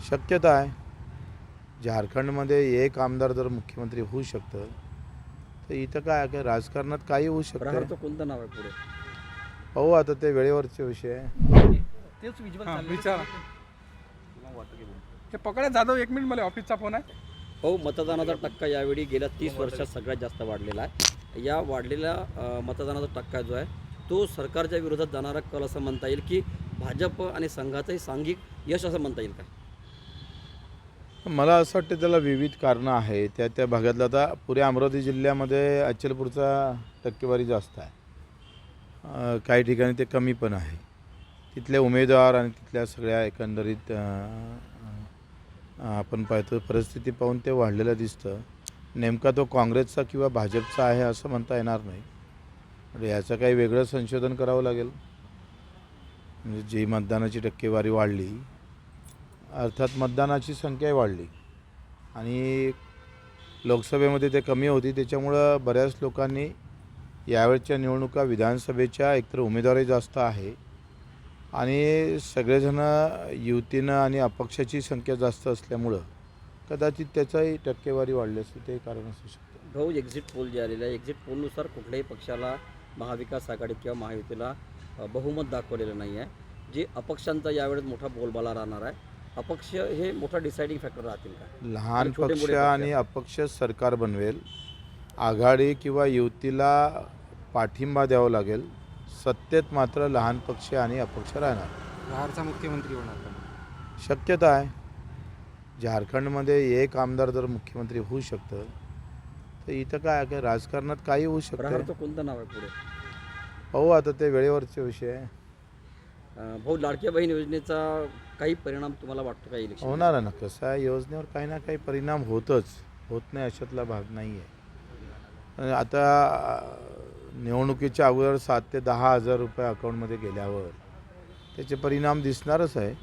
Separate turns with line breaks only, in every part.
शक्यता आहे. झारखंडमध्ये एक आमदार जर मुख्यमंत्री होऊ शकतं तर इथं काय राजकारणात काही होऊ शकतं.
प्रहारचं कोणतं नाव आहे पुढे?
पाहू आता, ते वेळेवरचे विषय आहे.
तेच विज्युअल
हां,
चालले
विचारा. ते पकडा जाधव, 1 मिनिट, मला ऑफिसचा फोन आहे.
हो, मतदानाचा टक्का यावेळी गेल्या 30 वर्षात सगळ्यात जास्त वाढलेला आहे. या वाढलेल्या मतदानाचा टक्का जो आहे तो सरकारच्या विरोधात जाणारा कल असं म्हणता येईल की भाजप आणि संघाचंही सांघिक यश असं म्हणता येईल का?
मला असं वाटतं त्याला विविध कारणं आहे. त्या भागातलं आता पुऱ्या अमरावती जिल्ह्यामध्ये अचलपूरचा टक्केवारी जास्त आहे, काही ठिकाणी ते कमी पण आहे. तिथले उमेदवार आणि तिथल्या सगळ्या एकंदरीत आपण पाहतो परिस्थिती पाहून ते वाढलेलं दिसतं. नेमका तो काँग्रेसचा किंवा भाजपचा आहे असं म्हणता येणार नाही. म्हणजे याचं काही वेगळं संशोधन करावं लागेल. म्हणजे जी मतदानाची टक्केवारी वाढली, अर्थात मतदानाची संख्याही वाढली आणि लोकसभेमध्ये ते कमी होती, त्याच्यामुळं बऱ्याच लोकांनी यावेळच्या निवडणुका विधानसभेच्या एकतर उमेदवारही जास्त आहे आणि सगळेजण युतीनं आणि अपक्षाची संख्या जास्त असल्यामुळं कदाचित त्याचाही टक्केवारी वाढली असते, ते कारण असू शकतं.
भाऊ, एक्झिट पोल जे आलेलं आहे, एक्झिट पोलनुसार कुठल्याही पक्षाला महाविकास आघाडी किंवा महायुतीला बहुमत दाखवलेलं नाही आहे. जे अपक्षांचा यावेळेस मोठा बोलबाला राहणार आहे. अपक्ष हे मोठा डिसाइडिंग फॅक्टर राहतील का?
लहान
छोटे
पक्ष
मोठे पक्ष
आणि अपक्ष सरकार बनवेल. आघाडी किंवा युतीला पाठिंबा द्यावा लागेल. सत्तेत मात्र लहान पक्ष आणि अपक्ष राहणार.
प्रहारचा मुख्यमंत्री होणार का?
शक्यता आहे. झारखंडमध्ये एक आमदार जर मुख्यमंत्री होऊ शकतं तर इथं काय राजकारणात काही होऊ शकतं.
प्रहारचं कोणतं नाव आहे पुढे?
पाहू आता, ते वेळेवरचे विषय आहे.
भाऊ, लाडक्या बहीण योजनेचा काही परिणाम तुम्हाला वाटतो का इलेक्शन?
होणार आहे ना. कसं आहे, योजनेवर काही ना काही परिणाम होत नाही अशातला भाग नाही आहे. आता निवडणुकीच्या अगोदर 7 ते 10 हजार रुपये अकाउंटमध्ये गेल्यावर त्याचे परिणाम दिसणारच आहे.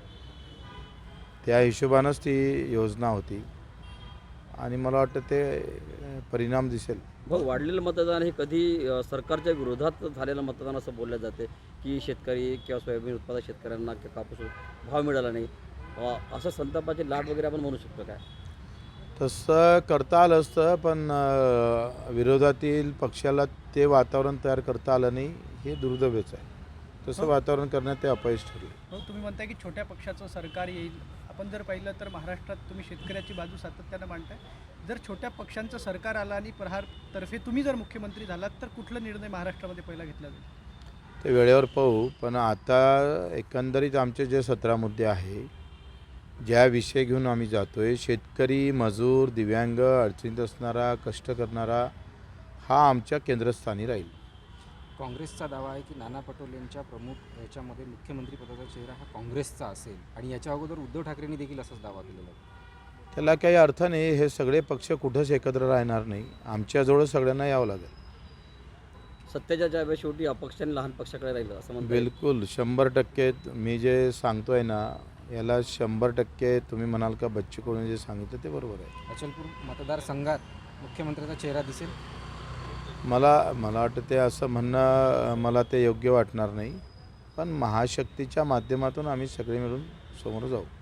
त्या हिशोबानंच ती योजना होती आणि मला वाटतं ते परिणाम दिसेल.
भाऊ, वाढलेलं मतदान हे कधी सरकारच्या विरोधात झालेलं मतदान असं बोललं जाते की शेतकरी किंवा सोयाबीन उत्पादक शेतकऱ्यांना कापूस भाव मिळाला नाही, असं संतापाची लाट वगैरे आपण म्हणू शकतो काय?
तसं करता आलं असतं, पण विरोधातील पक्षाला ते वातावरण तयार करता आलं नाही, हे दुर्दैवच आहे. तसं वातावरण करण्यात ते अपयश ठरले.
हो, तुम्ही म्हणताय की छोट्या पक्षाचं सरकार येईल. आपण जर पाहिलं तर महाराष्ट्रात तुम्ही शेतकऱ्याची बाजू सातत्यानं मांडताय. जर छोट्या पक्षांचं सरकार आलं आणि प्रहारतर्फे तुम्ही जर मुख्यमंत्री झालात तर कुठला निर्णय महाराष्ट्रामध्ये पहिला घेतला जाईल?
ते वेळेवर पाहू. पण आता एकंदरीत आमचे जे 17 मुद्दे आहे, ज्या विषय घेऊन आम्ही जातो आहे, शेतकरी, मजूर, दिव्यांग, अडचणीत असणारा, कष्ट करणारा, हा आमच्या केंद्रस्थानी राहील.
काँग्रेसचा दावा आहे की नाना पटोलेंच्या प्रमुख याच्यामध्ये मुख्यमंत्री पदाचा चेहरा हा काँग्रेसचा असेल आणि याच्या अगोदर उद्धव ठाकरेंनी देखील असाच दावा केलेला आहे.
त्याला काही अर्थ नाही. हे सगळे पक्ष कुठंच एकत्र राहणार नाही. आमच्याजवळ सगळ्यांना यावं लागेल.
सत्तेच्या ज्यावेळेस शेवटी अपक्ष आणि लहान पक्षाकडे राहिलं असं म्हणता येईल.
बिलकुल 100% मी जे सांगतो आहे ना, याला 100% तुम्ही म्हणाल का बच्चू कडूने जे सांगितलं ते बरोबर आहे.
अचलपूर मतदारसंघात मुख्यमंत्र्याचा चेहरा दिसेल.
मला वाटतं ते असं म्हणणं मला ते योग्य वाटणार नाही. पण महाशक्तीच्या माध्यमातून आम्ही सगळे मिळून समोर जाऊ.